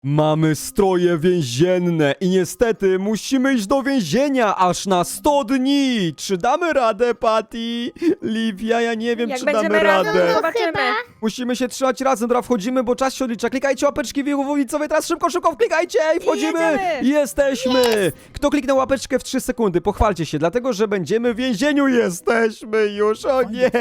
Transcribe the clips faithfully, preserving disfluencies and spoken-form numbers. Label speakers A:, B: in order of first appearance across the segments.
A: Mamy stroje więzienne i niestety musimy iść do więzienia aż na sto dni. Czy damy radę, Patty? Livia, ja nie wiem,
B: Jak
A: czy
B: będziemy
A: damy
B: razem,
A: radę.
B: to zobaczymy.
C: Chyba.
A: Musimy się trzymać razem, dobra, wchodzimy, bo czas się odlicza. Klikajcie łapeczki widzowie, teraz szybko, szybko wklikajcie i wchodzimy.
B: jedziemy.
A: Jesteśmy. Kto kliknął łapeczkę w trzy sekundy, pochwalcie się, dlatego, że będziemy w więzieniu. Jesteśmy już, o nie.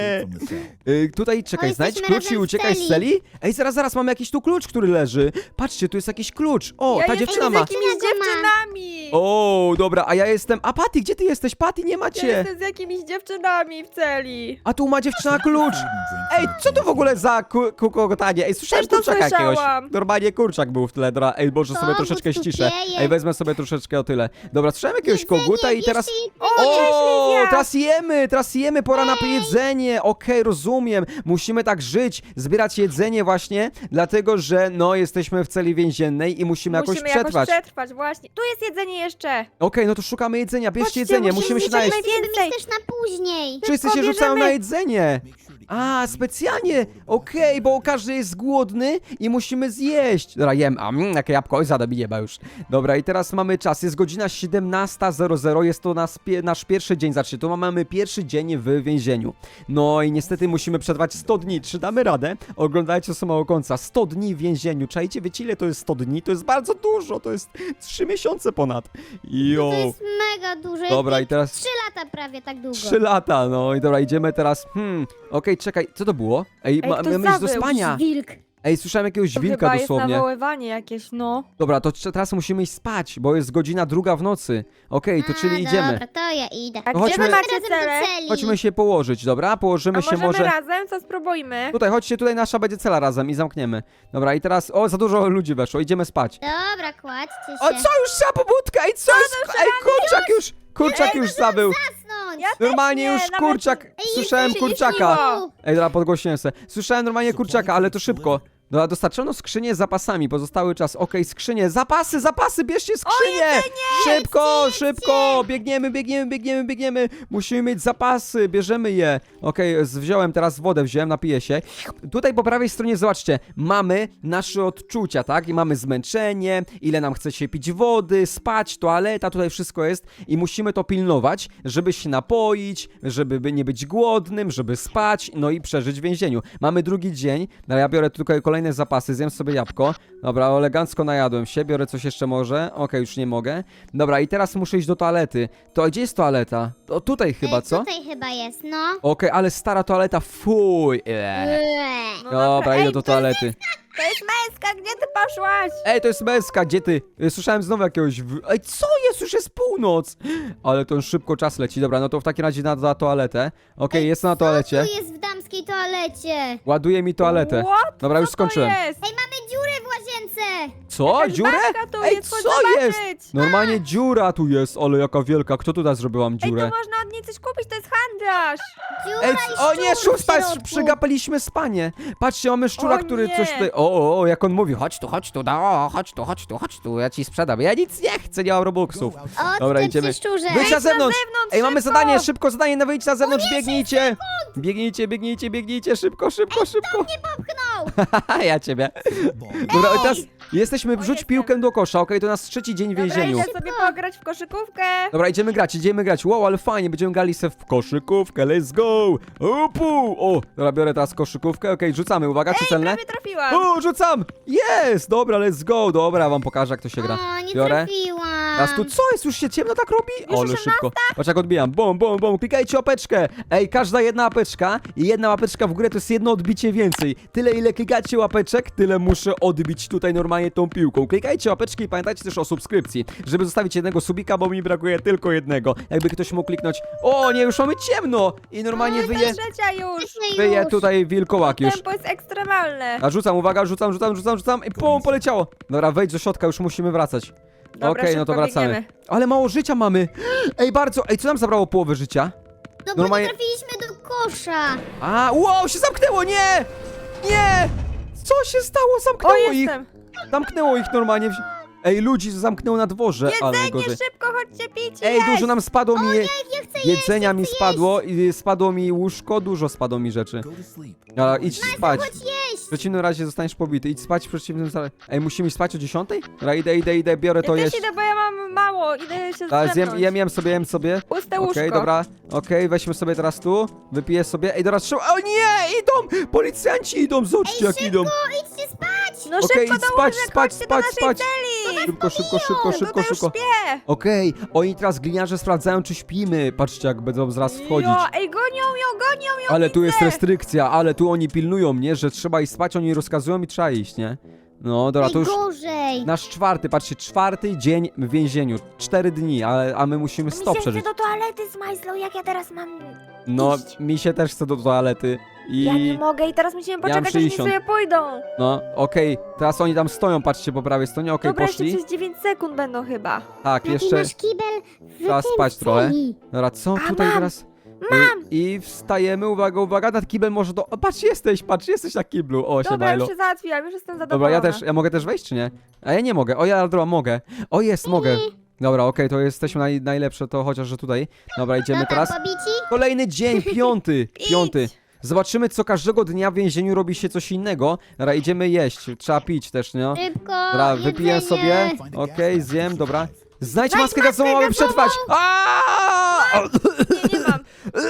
A: Y, tutaj, czekaj,
C: O,
A: znajdź
C: jesteśmy
A: klucz i
C: razem w
A: uciekaj z
C: celi.
A: celi. Ej, zaraz, zaraz, mamy jakiś tu klucz, który leży. Patrzcie, tu jest jakiś klucz. O,
B: Ja
A: ta
B: jestem
A: dziewczyna
B: z
A: ma.
B: jakimiś
C: Dziewczyna go ma.
B: dziewczynami.
A: O, dobra, a ja jestem... A Patty, gdzie ty jesteś? Patty, nie
B: Ja
A: macie.
B: jestem z jakimiś dziewczynami w celi.
A: A tu ma dziewczyna klucz. Ej, co to w ogóle za ku- kukotanie? Ej, słyszałem
B: Też to
A: kurczaka jakiegoś.
B: słyszałam.
A: Normalnie kurczak był w tle. Dobra, ej, może
C: Co?
A: sobie troszeczkę
C: Bo tu
A: ściszę.
C: pieje.
A: Ej, wezmę sobie troszeczkę o tyle. Dobra, słyszałem jakiegoś
C: Jedzenie,
A: koguta i
C: jeszcze
A: teraz...
C: jedzenie.
B: O, cześć,
A: O,
B: Livia.
A: teraz jemy, teraz jemy, pora na jedzenie. Okej, rozumiem. Musimy tak żyć, zbierać jedzenie właśnie, dlatego że no jesteśmy w celi więziennej i musimy jakoś
B: Musimy
A: przetrwać.
B: jakoś przetrwać, właśnie. Tu jest jedzenie jeszcze.
A: Okej, no to szukamy jedzenia, bierzcie
B: Chodźcie,
A: jedzenie,
B: musimy
A: musimy się
B: zjeść
A: najeść.
B: najwięcej.
C: Mieć też na później.
A: Wszyscy się
B: Szybko
A: rzucają
B: bierzemy.
A: na jedzenie. A, specjalnie, okej, bo każdy jest głodny i musimy zjeść. Dobra, jem, a mm, jakie jabłko, oj, zada mi nieba już. Dobra, i teraz mamy czas, jest godzina siedemnasta zero zero, jest to nas, pie, nasz pierwszy dzień, znaczy, to mamy pierwszy dzień w więzieniu. No i niestety musimy przetrwać sto dni, czy damy radę? Oglądajcie do samego końca, sto dni w więzieniu, czajcie, wiecie ile to jest sto dni? To jest bardzo dużo, to jest trzy miesiące ponad. Jo.
C: To jest mega dużo.
A: Dobra,
C: jak
A: i teraz...
C: Trzy lata prawie tak długo.
A: Trzy lata, no i dobra, idziemy teraz. Hmm, okej, czekaj, co to było? Ej,
B: Ej,
A: ma,
B: ktoś
A: mamy iść do
B: zawył.
A: spania.
C: Wilk.
A: Ej, słyszałem jakiegoś
B: To
A: wilka
B: chyba
A: dosłownie.
B: jest nawoływanie jakieś, no.
A: Dobra, to trze- teraz musimy iść spać, bo jest godzina druga w nocy. Okej, to
C: A,
A: czyli idziemy.
C: Dobra, to ja idę.
B: A
A: No
B: gdzie
A: chodźmy-
B: wy macie
C: Razem do
B: cele?
C: celi.
A: Chodźmy się położyć, dobra? Położymy
B: A
A: się
B: możemy
A: może...
B: razem? Co spróbujmy?
A: Tutaj, chodźcie, tutaj nasza będzie cela razem i zamkniemy. Dobra, i teraz... O, za dużo ludzi weszło, idziemy spać.
C: Dobra, kładźcie się.
A: O, co już trzeba pobudka? Ej, co jest? Ej, kurczak już! Kurczak już zabył.
C: Zasnąć.
B: Ja też
A: Normalnie
B: nie,
A: już
B: nawet-
A: kurczak...
C: Ej,
A: Słyszałem
C: jeszcze się nie
A: kurczaka.
C: śniło.
A: Ej, dobra, podgłośniłem se. Słyszałem normalnie kurczaka, ale to szybko. Dobra, dostarczono skrzynię z zapasami, pozostały czas. Okej, skrzynie, zapasy, zapasy, bierzcie skrzynię! Szybko, szybko! Biegniemy, biegniemy, biegniemy, biegniemy. Musimy mieć zapasy, bierzemy je. Okej, z- wziąłem teraz wodę, wziąłem, napiję się. Tutaj po prawej stronie, zobaczcie, mamy nasze odczucia, tak? I mamy zmęczenie, ile nam chce się pić wody, spać, toaleta, tutaj wszystko jest. I musimy to pilnować, żeby się napoić, żeby by nie być głodnym, żeby spać, no i przeżyć w więzieniu. Mamy drugi dzień, no ja biorę tutaj kolejne zapasy, zjem sobie jabłko. Dobra, elegancko najadłem się, biorę coś jeszcze może. Okej, już nie mogę. Dobra, i teraz muszę iść do toalety. To gdzie jest toaleta? To tutaj chyba,
C: E,
A: co?
C: Tutaj chyba jest, no.
A: Okej, ale stara toaleta, fuj. Eee.
C: Eee.
B: No
A: Dobra,
B: Ej,
A: idę do
B: to jest
A: toalety.
B: To jest męska, gdzie ty poszłaś?
A: Ej, to jest męska, gdzie ty? Y, Słyszałem znowu jakiegoś... w- Ej, co jest? Już jest północ! Ale to już szybko czas leci. Dobra, no to w takim razie na, na toaletę. Okej, jest na toalecie.
C: Tu jest w damskiej toalecie.
A: Ładuje mi toaletę.
B: What?
A: Dobra, już
B: Co to
A: skończyłem.
B: jest?
C: Ej, mamy dziurę w łazience.
A: Co?
B: Jakaś
A: Dziurę?
B: babka tu
A: Ej,
B: jest, chodź
A: co jest?
B: zobaczyć.
A: Normalnie dziura tu jest, ale jaka wielka. Kto tutaj zrobiłam
B: Ej,
A: dziurę?
B: tu można od niej coś kupić, to jest handlarz.
C: Dziura
A: Ej,
C: i
A: c- o nie,
C: szczur w
A: szósta,
C: środku.
A: przegapiliśmy spanie. Patrzcie, mamy szczura,
B: O
A: który
B: nie.
A: coś tutaj... O, o, o, jak on mówi, chodź tu, chodź tu, no, chodź tu, chodź tu, chodź tu, ja ci sprzedam. Ja nic nie chcę, nie mam robuxów.
C: O,
A: Dobra,
C: tutaj
A: idziemy.
C: przy szczurze.
A: Wyjdź na zewnątrz!
B: zewnątrz,
A: Ej, mamy
B: szybko!
A: zadanie, szybko zadanie na wyjść na zewnątrz, biegnijcie! Biegnijcie, biegnijcie, biegnijcie, szybko, szybko, szybko!
C: Nie popchnął.
A: Haha, ja ciebie. Dobra, i teraz jesteśmy, wrzuć
B: jestem.
A: piłkę do kosza, okej, to nasz trzeci dzień w
B: Dobra,
A: więzieniu.
B: idę sobie pograć w koszykówkę.
A: Dobra, idziemy grać, idziemy grać. Wow, ale fajnie, będziemy grali se w koszykówkę, let's go! Upu! O, dobra, biorę teraz koszykówkę, okej, rzucamy, uwaga, czy
B: Ej,
A: celne?
B: prawie trafiłam.
A: O, rzucam! Jest! Dobra, let's go! Dobra, wam pokażę, jak to się gra.
C: O, nie
A: Biorę.
C: trafiłam.
A: Teraz tu co jest? Już się ciemno tak robi?
B: Już
A: Ale
B: osiemnasta?
A: szybko. Patrz jak odbijam. Bum, bum, bum. Klikajcie łapeczkę. Ej, każda jedna łapeczka i jedna łapeczka w górę to jest jedno odbicie więcej. Tyle ile klikacie łapeczek, tyle muszę odbić tutaj normalnie tą piłką. Klikajcie łapeczki i pamiętajcie też o subskrypcji, żeby zostawić jednego subika, bo mi brakuje tylko jednego. Jakby ktoś mógł kliknąć. O nie, już mamy ciemno! I normalnie
B: Oj, to
A: wyje,
B: jest trzecia już.
C: Właśnie
A: wyje
C: już.
A: tutaj wilkołak już.
B: Tempo jest ekstremalne.
A: A rzucam, uwaga, rzucam, rzucam, rzucam, rzucam i pum, poleciało. Dobra, wejdź do środka, już musimy wracać.
B: Dobra,
A: Okej, no to
B: szybko
A: wracamy.
B: biegniemy.
A: Ale mało życia mamy. Ej, bardzo. Ej, co nam zabrało połowę życia?
C: No bo
A: Normalnie-
C: nie trafiliśmy do kosza.
A: A, wow, się zamknęło, nie! Nie! Co się stało?
B: O,
A: Zamknęło ich!
B: jestem.
A: Zamknęło ich normalnie. w- Ej, ludzi zamknęło na dworze, ale
B: Jedzenie,
A: gorzej.
B: szybko, chodźcie pić i
A: Ej,
B: jeść.
A: dużo nam spadło mi je...
C: Ja chcę
A: jedzenia
C: jeść,
A: mi
C: chcę
A: spadło i spadło mi łóżko, dużo spadło mi rzeczy.
D: Go to sleep.
A: A, idź spać.
C: Chodź jeść.
A: W przeciwnym razie zostaniesz pobity. Idź spać w przeciwnym razie. Ej, musimy iść spać o dziesiątej? Dobra, idę, idę, idę, biorę to
B: Ja
A: jeść.
B: też idę, bo ja mam mało, idę się
A: Tak, zjem,
B: zdrzemnąć.
A: jem, jem sobie, jem sobie.
B: Puste
A: Okej,
B: łóżko.
A: dobra, okej, weźmy sobie teraz tu, wypiję sobie. Ej, dobra, trzeba. O nie, idą! Policjanci idą, zobaczcie jak idą.
C: Idźcie spać!
B: No
A: Okej,
B: szybko
A: idź
B: do
A: spać,
B: łóżek,
A: spać,
B: chodźcie
A: spać,
B: do naszej
A: spać.
B: celi!
A: Szybko, szybko, szybko, szybko,
B: Tutaj już
A: szybko.
B: śpię!
A: Okej, oni teraz gliniarze sprawdzają, czy śpimy. Patrzcie, jak będą zaraz wchodzić.
B: Jo, ej, gonią ją, gonią ją,
A: Ale tu
B: widzę.
A: jest restrykcja, ale tu oni pilnują mnie, że trzeba iść spać, oni rozkazują i trzeba iść, nie? No, dobra, to już
C: Najgorzej.
A: nasz czwarty, patrzcie, czwarty dzień w więzieniu. Cztery dni, ale, a my musimy
B: Mi
A: sto
B: się
A: przeżyć.
B: chce do toalety z Majslą, jak ja teraz mam...
A: No,
B: iść.
A: mi się też chce do toalety. I...
B: Ja nie mogę i teraz musimy
A: mam
B: poczekać, aż oni
A: sześćdziesiąt.
B: sobie pójdą.
A: No, okej, teraz oni tam stoją, patrzcie po prawej stronie, okej,
B: Dobra, jeszcze
A: poszli.
B: przez dziewięć sekund będą chyba.
A: Tak,
C: Taki
A: jeszcze,
C: nasz kibel w
A: trzeba
C: tym
A: spać trochę.
C: celi.
A: dobra, co
B: A,
A: tutaj
B: mam,
A: teraz?
B: Mam!
A: I, I wstajemy, uwaga, uwaga, nad kibel może do... O, patrz, jesteś, patrz, jesteś na kiblu, o,
B: Dobra,
A: siemajlo.
B: już się załatwiłam, już jestem zadowolona.
A: Dobra, ja też, ja mogę też wejść, czy nie? A ja nie mogę, o, ja dobra, mogę. O, jest, mogę. Dobra, okej, to jesteśmy naj, najlepsze, to chociaż, że tutaj. Dobra, idziemy
C: No tam
A: teraz.
C: pobici?
A: Kolejny dzień, piąty,
B: Idź.
A: piąty. Zobaczymy, co każdego dnia w więzieniu robi się coś innego. Dobra, idziemy jeść, trzeba pić też, nie?
C: Szybko,
A: Dobra, wypiję
C: jedzenie.
A: sobie. Okej, zjem, dobra. Znajdź
B: Znajdź
A: maskę gazową,
B: maskę
A: mamy przetrwać! Aaaa!
B: Nie, nie mam.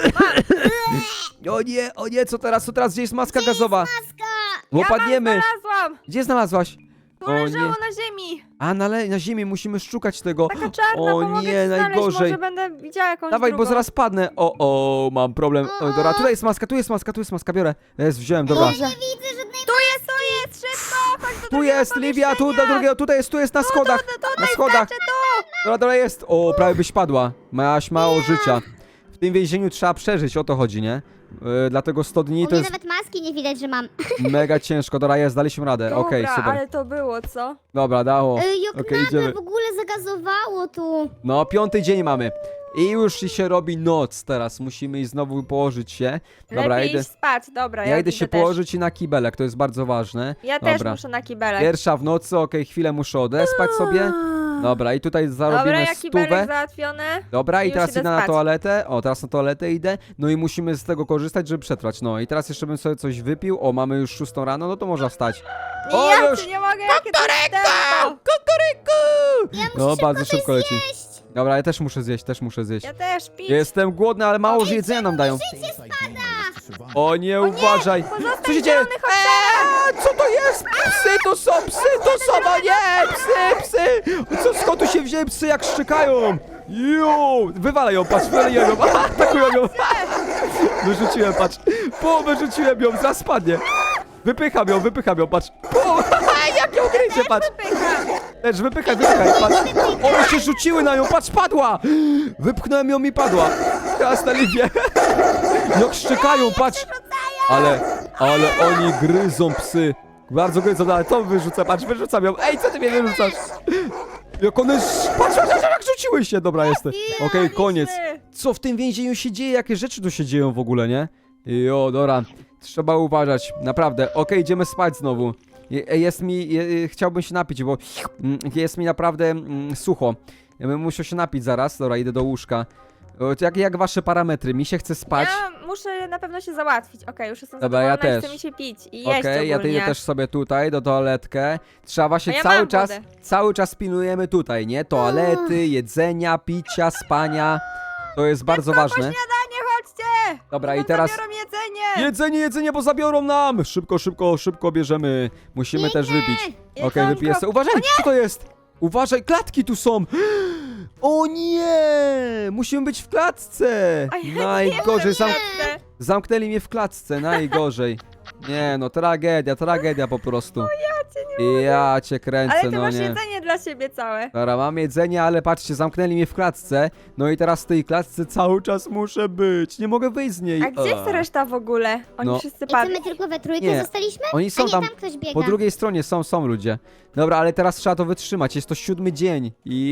A: O nie, o nie, co teraz, co teraz? Gdzie jest maska gazowa?
C: Maska!
A: Bo
B: Ja mam,
A: padniemy.
B: znalazłam!
A: Gdzie znalazłaś?
B: Tu
A: O
B: leżało
A: nie.
B: na ziemi.
A: A, na, le- na ziemi musimy szukać tego.
B: Taka czarna,
A: O
B: pomogę
A: nie,
B: ci znaleźć,
A: najgorzej.
B: może będę widziała jakąś
A: Dawaj,
B: drugą.
A: bo zaraz padnę. O, o, mam problem. O, dobra, tutaj jest maska, tu jest maska, tu jest maska, biorę. Jest, wziąłem, dobra.
B: Dobrze.
C: Nie widzę żadnej
B: Tu jest, tu jest, szybko! Chodź do
A: Tu
B: drugiego
A: jest, Livia, tu do
B: pomieszczenia.
A: drugiego, tutaj jest, tu jest na schodach.
B: Tu, tu,
A: Na
B: tutaj
A: schodach.
B: skaczę, tu!
A: Dobra, dobra, jest. O, prawie byś padła. Miałaś mało życia. W tym więzieniu trzeba przeżyć, o to chodzi, nie? Yy, dlatego sto dni
C: U
A: to
C: mnie
A: jest
C: nawet maski nie widać, że mam.
A: mega ciężko. Dobra, jest, daliśmy radę.
B: Dobra,
A: Okej, super.
B: ale to było, co?
A: Dobra, dało.
C: Ej, jak
A: Okej,
C: nagle
A: idziemy.
C: w ogóle zagazowało tu.
A: No, piąty dzień mamy. I już się robi noc teraz. Musimy iść znowu położyć się. Dobra,
B: Lepiej
A: idę.
B: iść spać, dobra,
A: Ja
B: ja
A: idę się
B: też.
A: położyć i na kibelek, to jest bardzo ważne.
B: Ja też
A: Dobra.
B: muszę na kibelek.
A: Pierwsza w nocy, okej, chwilę muszę odespać sobie. Dobra, i tutaj zarobimy
B: Dobra, ja kibelek
A: stówę.
B: załatwione.
A: Dobra, i
B: Już
A: teraz
B: idę
A: idę na
B: spać.
A: toaletę. O, teraz na toaletę idę. No i musimy z tego korzystać, żeby przetrwać. No i teraz jeszcze bym sobie coś wypił. O, mamy już szóstą rano, no to można wstać. O,
B: ja
A: już!
B: cię nie mogę, jakie to jest tempo.
A: Kukuryku!
C: Ja muszę
A: No,
C: szybko
A: bardzo
C: coś
A: szybko leci.
C: zjeść.
A: Dobra, ja też muszę zjeść, też muszę zjeść.
B: Ja też, pić.
A: Jestem głodny, ale mało że jedzenia nam dają. O nie, uważaj!
B: Pozostań
A: Co się dzieje?
B: zielony, chodź teraz.
A: Eee, co to jest? Psy to są, psy to są, o nie! Psy, psy! Co, skąd tu się wzięły psy, jak szczekają? Jo! Wywalaj ją, patrz, wywalają ją, atakują ją! Wyrzuciłem, patrz. Po, wyrzuciłem ją, zaraz spadnie. Wypycham ją, wypycham ją, patrz. Po, jak ją gryzie, patrz.
B: Pycha.
A: Też wypychaj, wypychaj, patrz. One się rzuciły na nią, patrz, padła! Wypchnąłem ją i padła. Teraz na Livię. Jak szczekają, patrz. Ale, ale oni gryzą psy. Bardzo gryzą, no ale to wyrzucę, patrz, wyrzucam ją. Ej, co ty mnie wyrzucasz? Jak one, patrz, patrz, patrz, jak rzuciły się. Dobra, jestem. Okej, koniec. Co w tym więzieniu się dzieje? Jakie rzeczy tu się dzieją w ogóle, nie? Jo, dobra. Trzeba uważać, naprawdę. Okej, idziemy spać znowu. Je- Jest mi, je, chciałbym się napić, bo mm, jest mi naprawdę mm, sucho. Ja bym musiał się napić zaraz. Dobra, idę do łóżka. O, to Jak, jak wasze parametry? Mi się chce spać.
B: Ja muszę na pewno się załatwić. Okej, już jestem
A: Dobra, ja
B: zadowolona i
A: też.
B: chce mi się pić i jeść
A: Okej, ja
B: ogólnie.
A: idę też sobie tutaj, do toaletkę. Trzeba właśnie
B: A ja
A: cały
B: mam
A: czas,
B: wodę.
A: cały czas pilnujemy tutaj, nie? Toalety, jedzenia, picia, spania. To jest bardzo
B: Po
A: ważne.
B: śniadanie, chodźcie!
A: Dobra,
B: Nam
A: i teraz...
B: zabiorą jedzenie!
A: Jedzenie, jedzenie, bo zabiorą nam! Szybko, szybko, szybko bierzemy. Musimy też wypić. Okej,
B: Jedzonko.
A: wypiję sobie. Uważaj, co to jest? Uważaj, klatki tu są! O nie! Musimy być w klatce!
B: A ja
A: Najgorzej,
B: nie
A: zam...
B: chcę.
A: zamknęli mnie w klatce, najgorzej. Nie no, tragedia, tragedia po prostu. Ja cię kręcę,
B: Ale ty
A: no
B: masz
A: nie.
B: jedzenie dla siebie całe.
A: Dobra, mam jedzenie, ale patrzcie, zamknęli mnie w klatce. No i teraz w tej klatce cały czas muszę być. Nie mogę wyjść z niej.
B: A gdzie jest
A: Eee.
B: reszta w ogóle? Oni
A: No.
B: wszyscy
C: I co,
B: padli.
C: my tylko we trójkę
A: Nie.
C: zostaliśmy?
A: Oni są
C: A nie,
A: tam
C: tam ktoś biega.
A: Po drugiej stronie są, są ludzie. Dobra, ale teraz trzeba to wytrzymać. Jest to siódmy dzień.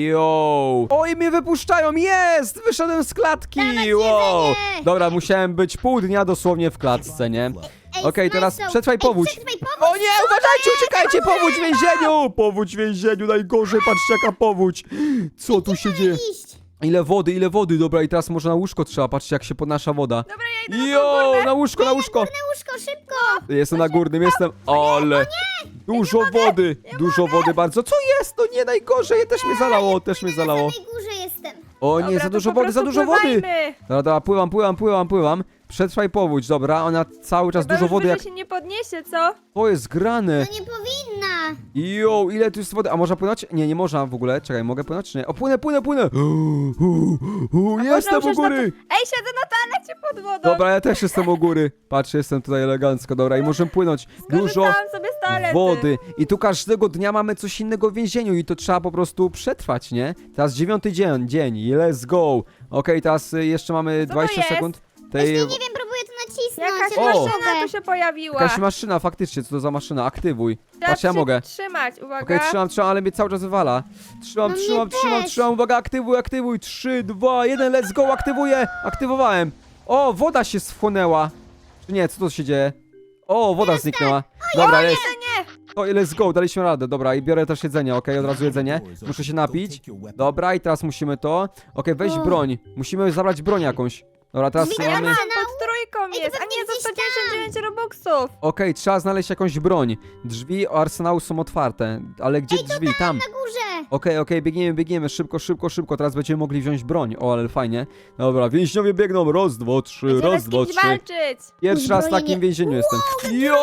A: Yo! Oj, mnie wypuszczają! Jest! Wyszedłem z klatki!
C: Dawać
A: Wow!
C: jedzenie!
A: Dobra, musiałem być pół dnia dosłownie w klatce, nie?
C: Ej,
A: Okej, teraz
C: Smajslow,
A: przetrwaj
C: ej,
A: powódź.
C: Przetrwaj powódź!
A: O nie, uważajcie, uciekajcie! Powódź w więzieniu! Powódź w więzieniu, najgorzej, patrzcie jaka powódź! Co tu się dzieje?
C: Iść.
A: Ile wody, ile wody, dobra, i teraz może na łóżko trzeba, patrzcie jak się podnasza woda.
B: Dobra, ja idę na
A: Jo,
B: tą górę.
A: na łóżko, na łóżko!
C: Na łóżko, szybko!
A: Jestem na górnym, jestem, ale dużo wody, dużo wody bardzo. Co jest? No nie, najgorzej, też mnie zalało, też mnie
C: Na
A: zalało.
C: samej górze jestem.
A: O
B: Dobra,
A: nie, za
B: to
A: dużo
B: po
A: wody, za
B: prostu
A: dużo wody!
B: pływajmy.
A: Dobra, dobra, pływam, pływam, pływam, pływam. Przetrwaj powódź, dobra, ona cały czas
B: Chyba
A: dużo
B: już
A: wody, jak
B: wyżej się nie podniesie, co?
A: to jest grane.
C: No nie powinna.
A: Jo, ile tu jest wody? A można płynąć? Nie, nie można w ogóle. Czekaj, mogę płynąć czy nie? O, płynę, płynę, płynę! U, u, u,
B: A
A: jestem
B: można
A: u
B: usiąść na
A: góry!
B: to- Ej, siedzę na toalecie pod wodą.
A: Dobra, ja też jestem u góry. Patrz, jestem tutaj elegancko, dobra, i możemy płynąć. Dużo
B: Skorzystałam sobie z toalety.
A: wody. I tu każdego dnia mamy coś innego w więzieniu i to trzeba po prostu przetrwać, nie? Teraz dziewiąty dzień, dzień i let's go. Okej, teraz y, jeszcze mamy
B: to
A: dwadzieścia
B: jest?
A: sekund.
C: Właśnie
A: Tej...
C: nie wiem, próbuję to nacisnąć.
B: Jakaś
C: ale nie
B: maszyna
C: mogę.
B: tu się pojawiła.
A: Jakaś maszyna, faktycznie, co to za maszyna? Aktywuj.
B: Trzeba
A: Patrz, ja
B: przy-
A: mogę.
B: trzymać, uwaga.
A: Okej, trzymam, trzymam, ale mnie cały czas wywala. Trzymam,
C: No mnie
A: trzymam, trzymam,
C: też.
A: trzymam, uwaga, aktywuj, aktywuj. trzy, dwa, jeden, let's go, aktywuję. Aktywowałem. O, woda się schłonęła. Czy nie, co to się dzieje? O, woda zniknęła. Dobra, jest.
B: Nie,
A: O, let's go, daliśmy radę. Dobra, i biorę też jedzenie, okej, od razu jedzenie. Muszę się napić. Dobra, i teraz musimy to. Okej, weź
C: O.
A: broń. Musimy zabrać broń jakąś. Dobra, teraz
C: Drzwi
B: ja
A: mamy...
B: mam,
C: Arsenał?
B: pod trójką
C: Ej,
B: jest,
C: to
B: a nie,
C: pewnie
B: za
C: gdzieś
B: sto dziewięćdziesiąt dziewięć robuxów.
A: Okej, trzeba znaleźć jakąś broń. Drzwi arsenału są otwarte. Ale gdzie drzwi? Tam.
C: Na górze.
A: Okej, okej, biegniemy, biegniemy, szybko, szybko, szybko, teraz będziemy mogli wziąć broń. O, ale fajnie. Dobra, więźniowie biegną, raz, dwa, trzy,
B: Będziemy
A: raz,
B: z
A: dwa,
B: kimś
A: trzy.
B: walczyć.
A: Pierwszy raz w
C: Uzbrojenie.
A: takim więzieniu jestem. Jo!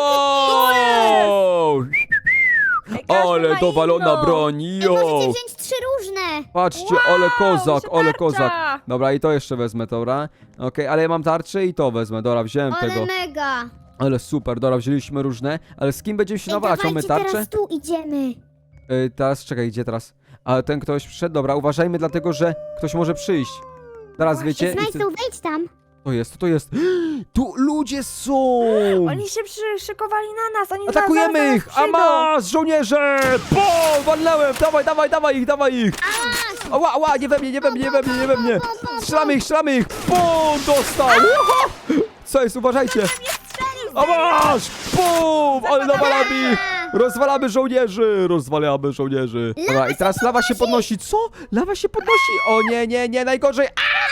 B: Ej, każdy
A: Ale
B: ma
A: dowalona
B: inną.
A: broń,
C: Ej,
A: jo!
C: możecie wziąć trzy różne.
A: Patrzcie,
B: Wow,
A: ale kozak,
B: się
A: ale
B: tarcza.
A: kozak. Dobra, i to jeszcze wezmę, dobra. Okej, ale ja mam tarczę i to wezmę, dobra, wziąłem
C: Ale
A: tego.
C: mega.
A: Ale super, dobra, wzięliśmy różne. Ale z kim będziemy się
C: Ej,
A: nawalać? Mamy
C: dawajcie,
A: tarczę?
C: teraz tu idziemy.
A: Y, teraz, czekaj, gdzie teraz? A ten ktoś przyszedł, dobra, uważajmy dlatego, że ktoś może przyjść. Teraz wiecie... i
C: Znajdą,
A: wtedy-
C: wejdź tam.
A: To jest, to to jest. Tu ludzie są!
B: Oni się przyszykowali na nas, oni
A: Atakujemy
B: zaraz,
A: ich!
B: zaraz
A: A
B: przyjdą.
A: masz, żołnierze! Po! Walnąłem! Dawaj, dawaj, dawaj ich, dawaj ich! Ała, ała, nie we mnie, nie we mnie, nie we mnie, nie we mnie! Strzelamy ich, strzelamy ich! Pum! Dostał! Uha! Co jest, uważajcie! A masz! Pum! Ale nawalamy ich! Rozwalamy żołnierzy! Rozwalamy żołnierzy! Dobra, i teraz lawa się podnosi. Co? Lawa się podnosi! O nie, nie, nie, najgorzej!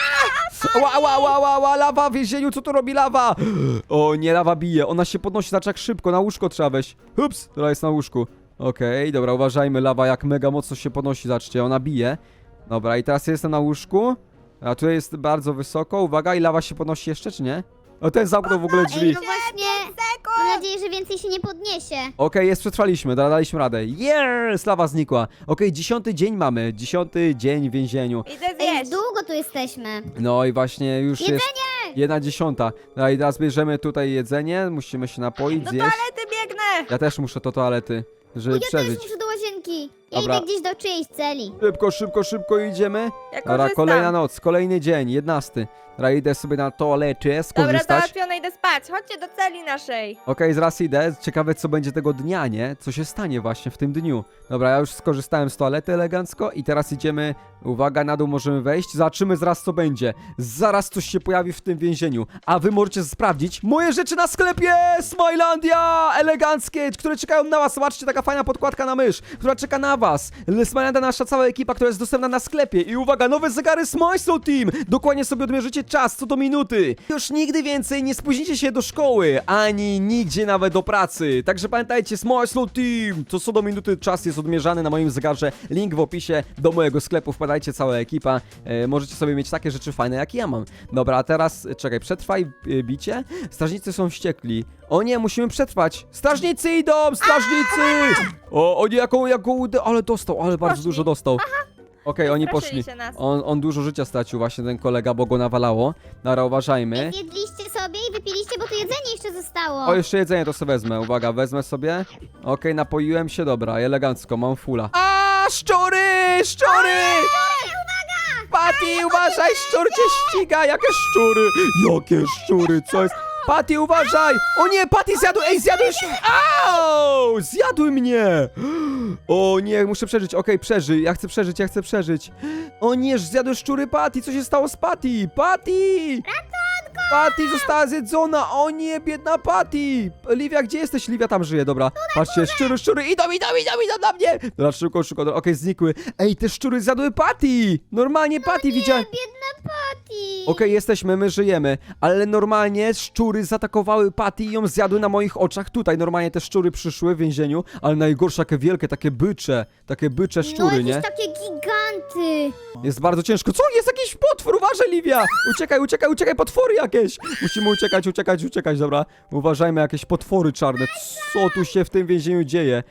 A: Ała, ała, ała, ała, ała, lawa w więzieniu, co tu robi lawa? O nie, lawa bije, ona się podnosi, znaczy jak szybko, na łóżko trzeba wejść. Ups, dobra, jest na łóżku. Okej, dobra, uważajmy, lawa jak mega mocno się podnosi, zobaczcie, ona bije. Dobra, i teraz jestem na łóżku, a tu jest bardzo wysoko, uwaga, i lawa się podnosi jeszcze, czy nie? O, ten zamknął w ogóle drzwi.
C: Ej, no właśnie, mam nadzieję, że więcej się nie podniesie.
A: Okej, jest, przetrwaliśmy, da- daliśmy radę. Yes, lawa znikła. Okej, dziesiąty dzień mamy, dziesiąty dzień w więzieniu.
B: Idę
C: Ej,
B: zjeść.
C: długo tu jesteśmy.
A: No i właśnie już jest
C: Jedzenie!
A: jedna dziesiąta. No i teraz bierzemy tutaj jedzenie, musimy się napoić,
B: Do
A: zjeść.
B: toalety biegnę.
A: Ja też muszę do toalety, żeby
C: Ja też
A: przeżyć.
C: muszę do łazienki. Ja
A: Dobra.
C: idę gdzieś do czyjejś celi.
A: Szybko, szybko, szybko idziemy.
B: Ja
A: Dobra,
B: korzystam.
A: kolejna noc, kolejny dzień, jedenasty. Dobra, idę sobie na toaletę
B: Dobra,
A: skorzystać.
B: załatwione, idę spać. Chodźcie do celi naszej.
A: Okej, zaraz idę. Ciekawe, co będzie tego dnia, nie? Co się stanie właśnie w tym dniu. Dobra, ja już skorzystałem z toalety elegancko i teraz idziemy. Uwaga, na dół możemy wejść. Zobaczymy zaraz, co będzie. Zaraz coś się pojawi w tym więzieniu. A wy możecie sprawdzić moje rzeczy na sklepie Smilandia! Eleganckie, które czekają na was. Zobaczcie, taka fajna podkładka na mysz, która czeka na was. Smilandia, nasza cała ekipa, która jest dostępna na sklepie. I uwaga, nowe zegary Smile Team. Dokładnie sobie odmierzycie czas, co do minuty. Już nigdy więcej nie spóźnicie się do szkoły, ani nigdzie nawet do pracy. Także pamiętajcie, Smile Team. To co do minuty czas jest odmierzany na moim zegarze. Link w opisie do mojego sklepu. Wpadajcie, cała ekipa. E, możecie sobie mieć takie rzeczy fajne, jak ja mam. Dobra, a teraz, e, czekaj, przetrwaj e, bicie. Strażnicy są wściekli. O nie, musimy przetrwać. Strażnicy idą, strażnicy! O, o nie, jaką, jaką, udę- ale dostał, ale bardzo
B: Poszli.
A: dużo dostał. Okej, oni
B: Straszyli
A: poszli.
B: się nas.
A: On, on dużo życia stracił właśnie, ten kolega, bo go nawalało. Nara, uważajmy.
C: Zjedliście sobie i wypiliście, bo tu jedzenie jeszcze zostało.
A: O, jeszcze jedzenie to sobie wezmę, uwaga, wezmę sobie. Okej, napoiłem się, dobra, elegancko, mam fula. A, szczury, szczury! Patty, uważaj, szczur cię ściga, jakie szczury, jakie szczury, co jest? Patty, uważaj! O nie, Patty zjadł, ej, zjadłeś! Au! Zjadły mnie! O nie, muszę przeżyć, okej, przeżyj, ja chcę przeżyć, ja chcę przeżyć. O nie, zjadły szczury Patty, co się stało z Patty? Patty! Patty została zjedzona! O nie, biedna Patty! Livia, gdzie jesteś? Livia tam żyje, dobra. Patrzcie, szczury, szczury, idą, idą, idą, idą na mnie! Dobra, szybko, szybko, dobra, okej, znikły. Ej, te szczury zjadły Patty! Normalnie Patty widziałem.
C: Biedna Patty.
A: Okej, jesteśmy, my żyjemy, ale normalnie szczury zaatakowały Patty i ją zjadły na moich oczach tutaj. Normalnie te szczury przyszły w więzieniu, ale najgorsze, takie wielkie, takie bycze, takie bycze szczury,
C: no,
A: nie?
C: jakieś takie giganty.
A: Jest bardzo ciężko. Co? Jest jakiś potwór! Uważaj, Livia! Uciekaj, uciekaj, uciekaj, potwory jakieś! Musimy uciekać, uciekać, uciekać, dobra. Uważajmy, jakieś potwory czarne. Co tu się w tym więzieniu dzieje?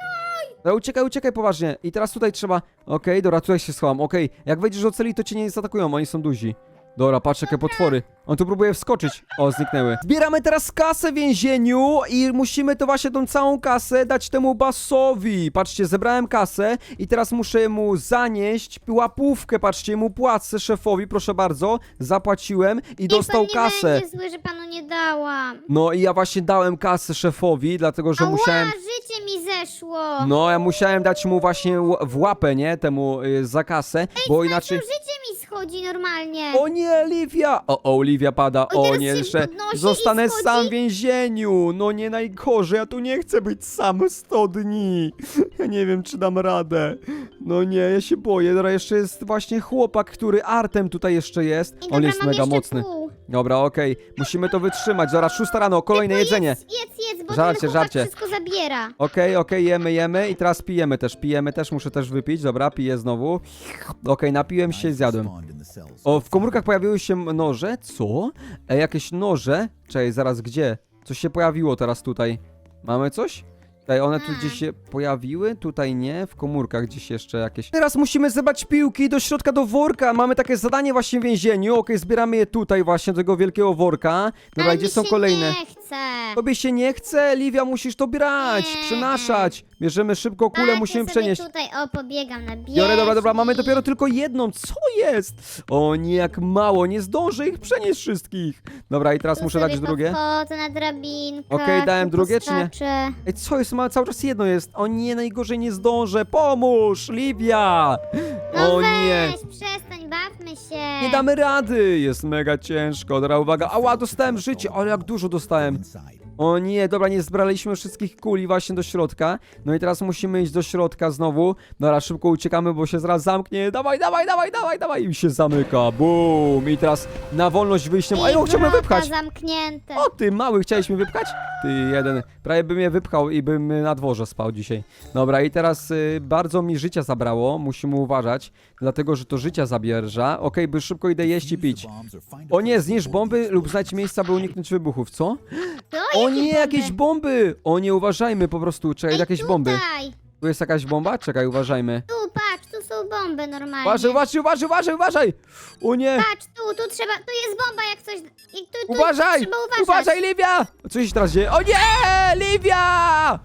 A: No, uciekaj, uciekaj poważnie. I teraz tutaj trzeba... Okej, dobra, tutaj się schowam. Okej, jak wejdziesz do celi, to cię nie zaatakują, oni są duzi. Dobra, patrz jakie potwory. On tu próbuje wskoczyć. O, zniknęły. Zbieramy teraz kasę w więzieniu i musimy to właśnie tą całą kasę dać temu Bassowi. Patrzcie, zebrałem kasę i teraz muszę mu zanieść łapówkę. Patrzcie, mu płacę szefowi, proszę bardzo. Zapłaciłem i dostał
C: Niech pan
A: kasę.
C: nie będzie zły, że panu nie dałam.
A: No i ja właśnie dałem kasę szefowi, dlatego że
C: Ała,
A: musiałem...
C: życie mi zeszło.
A: No, ja musiałem dać mu właśnie ł- w łapę, nie? Temu y, za kasę, bo inaczej...
C: To życie mi schodzi normalnie.
A: O nie, Livia! O, o, Livia pada.
C: Oj,
A: O
C: teraz
A: nie,
C: się
A: jeszcze
C: podnosi i
A: zostanę
C: schodzi.
A: sam w więzieniu. No nie najgorzej, ja tu nie chcę być sam sto dni. Ja nie wiem, czy dam radę. No nie, ja się boję. Dobra, jeszcze jest właśnie chłopak, który Artem tutaj jeszcze jest.
C: I
A: On
C: dobra,
A: jest
C: mam
A: mega
C: jeszcze
A: mocny.
C: Pół.
A: Dobra, okej. Musimy to wytrzymać. Zaraz szósta rano, kolejne jedzenie.
C: Jedz, jedz, jedz, bo
A: Żarcie,
C: ten chłopak
A: żarcie.
C: wszystko zabiera.
A: Okej, okej, jemy, jemy i teraz pijemy też, pijemy też, muszę też wypić, dobra, piję znowu. Okej, napiłem się i zjadłem. O, w komórkach pojawiły się noże, co? E, jakieś noże? Czekaj, zaraz, gdzie? Coś się pojawiło teraz tutaj. Mamy coś? Tutaj one tu
C: Hmm.
A: gdzieś się pojawiły, tutaj nie, w komórkach gdzieś jeszcze jakieś. Teraz musimy zebrać piłki do środka do worka, mamy takie zadanie właśnie w więzieniu, okej, zbieramy je tutaj właśnie, do tego wielkiego worka. Dobra,
C: Ale
A: gdzie
C: mi
A: są
C: się
A: kolejne?
C: nie chce.
A: Tobie się nie chce, Livia, musisz to brać,
C: Nie.
A: przenaszać. Bierzemy szybko kulę,
C: Tak,
A: musimy
C: ja sobie
A: przenieść.
C: tutaj, o, pobiegam na bieżni.
A: Biorę, dobra, dobra, mamy dopiero tylko jedną, co jest? O nie, jak mało, nie zdążę ich przenieść wszystkich. Dobra, i teraz
C: Tu
A: muszę
C: sobie
A: dać drugie.
C: podchodzę na drabinkę.
A: Okej, dałem
C: tu
A: drugie, czy nie?
C: poskaczę.
A: Ej, co jest, ma cały czas jedno jest. O nie, najgorzej nie zdążę, pomóż, Livia.
C: No
A: O
C: weź,
A: nie.
C: przestań, bawmy się.
A: Nie damy rady, jest mega ciężko. Dobra, uwaga, ała, dostałem życie, ale jak dużo dostałem. O nie, dobra, nie zbraliśmy wszystkich kuli właśnie do środka. No i teraz musimy iść do środka znowu. Dobra, szybko uciekamy, bo się zaraz zamknie. Dawaj, dawaj, dawaj, dawaj, dawaj. I się zamyka, bum. I teraz na wolność wyjściem. A ja
C: I
A: chciałbym
C: wrota
A: wypchać.
C: zamknięte.
A: O, ty mały, chciałeś mnie wypchać? Ty jeden. Prawie bym mnie wypchał i bym y, na dworze spał dzisiaj. Dobra, i teraz y, bardzo mi życia zabrało. Musimy uważać, dlatego że to życia zabierza. Okej, by szybko idę jeść i pić. O nie, zniszcz bomby lub znajdź miejsca, by uniknąć wybuchów, co?
C: To
A: O
C: jakie
A: nie,
C: bomby?
A: jakieś bomby! O nie, uważajmy po prostu, czekaj,
C: Ej,
A: jakieś bomby.
C: tutaj.
A: Tu jest jakaś bomba? Czekaj, uważajmy.
C: Tu, patrz, tu są bomby normalnie.
A: Uważaj, uważaj, uważaj, uważaj, uważaj! O nie!
C: Patrz, tu, tu trzeba, tu jest bomba jak coś. I tu, tu
A: Uważaj!
C: trzeba uważać.
A: Uważaj, Livia! Co się teraz dzieje? O nie! Livia!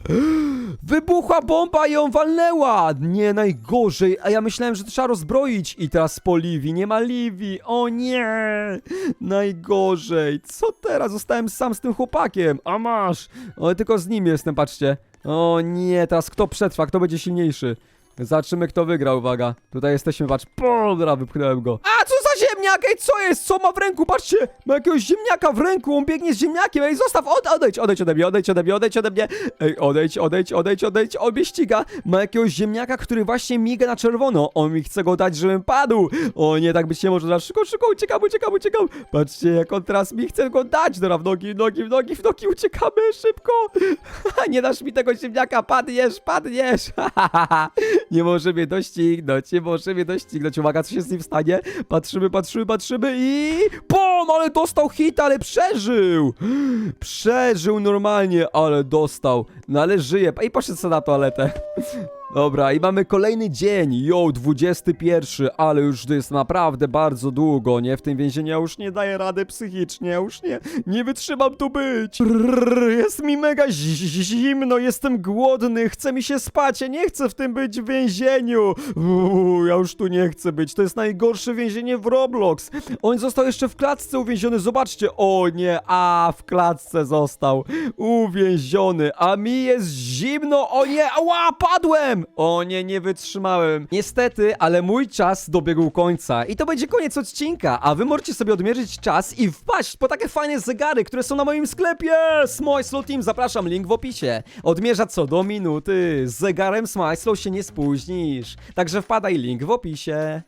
A: Wybuchła bomba i ją walnęła! Nie, najgorzej. A ja myślałem, że to trzeba rozbroić. I teraz po Livii. Nie ma Livii. O nie! Najgorzej. Co teraz? Zostałem sam z tym chłopakiem. A masz! O, tylko z nim jestem, patrzcie. O nie, teraz kto przetrwa? Kto będzie silniejszy? Zobaczymy, kto wygra, uwaga. Tutaj jesteśmy, patrz. Dobra, wypchnąłem go. A, co za ziemniak? Ej, co jest? Co ma w ręku? Patrzcie, ma jakiegoś ziemniaka w ręku, on biegnie z ziemniakiem. Ej, zostaw, od, odejdź, odejdź ode mnie, odejdź ode mnie, odejdź ode mnie. Ej, odejdź, odejdź, odejdź, odejdź, on mnie ściga. Ma jakiegoś ziemniaka, który właśnie miga na czerwono. On mi chce go dać, żebym padł. O nie, tak być nie może. Dobra, szybko, szybko, uciekam, uciekam, uciekam. Patrzcie, jak on teraz mi chce go dać. Dobra, w nogi, w nogi, w nogi, w nogi, uciekamy, szybko. Nie dasz mi tego ziemniaka, padniesz, padniesz. Nie może mnie doścignąć, nie może mnie doścignąć. Uwaga, co się z nim stanie? Patrzymy, patrzymy, patrzymy i... Pom, ale dostał hit, ale przeżył! Przeżył normalnie, ale dostał. No ale żyje. I poszedł sobie na toaletę. Dobra, i mamy kolejny dzień, jo, dwudziesty pierwszy, ale już to jest naprawdę bardzo długo, nie? W tym więzieniu ja już nie daję rady psychicznie, ja już nie, nie wytrzymam tu być. Brrr, jest mi mega zi- zimno, jestem głodny, chce mi się spać, ja nie chcę w tym być w więzieniu. Uuu, ja już tu nie chcę być, to jest najgorsze więzienie w Roblox. On został jeszcze w klatce uwięziony, zobaczcie, o nie, a w klatce został uwięziony, a mi jest zimno, o nie, ała, padłem! wytrzymałem. O nie, nie wytrzymałem. Niestety, ale mój czas dobiegł końca. I to będzie koniec odcinka, a wy możecie sobie odmierzyć czas i wpaść po takie fajne zegary, które są na moim sklepie. Smile Slow Team, zapraszam, link w opisie. Odmierza co do minuty. Z zegarem Smile Slow się nie spóźnisz. Także wpadaj, link w opisie.